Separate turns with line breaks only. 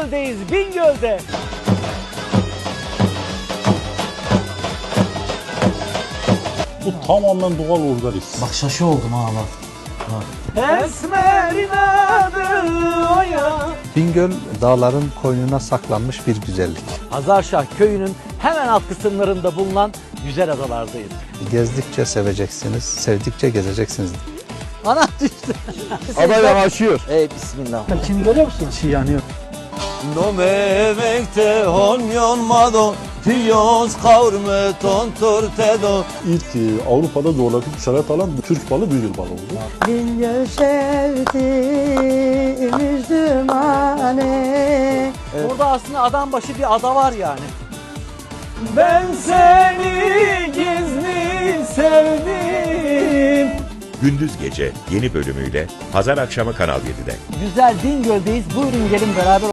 Bingöl'deyiz, Bingöl'de.
Bu tamamen doğal organik.
Bak şaşı oldum ha bak.
Esmer'in adı o ya.
Bingöl dağların koynuna saklanmış bir güzellik.
Hazarşah köyünün hemen alt kısımlarında bulunan güzel adalardayız.
Gezdikçe seveceksiniz, sevdikçe gezeceksiniz.
Ana düştü.
Ada yavaşıyor.
Ey bismillah.
Şimdi görüyor musun? Çiğ yanıyor.
No bebekte honyon mado Tiyos kavurme tontur tedo.
İlk Avrupa'da coğrafi işaret alan Türk balı Bingöl balı oldu.
Bingöl sevdim Müslümane.
Burada aslında adam başı bir ada var yani. Ben seni gizli sevdim.
Gündüz Gece yeni bölümüyle pazar akşamı Kanal 7'de.
Güzel Bingöl'deyiz. Buyurun gelin beraber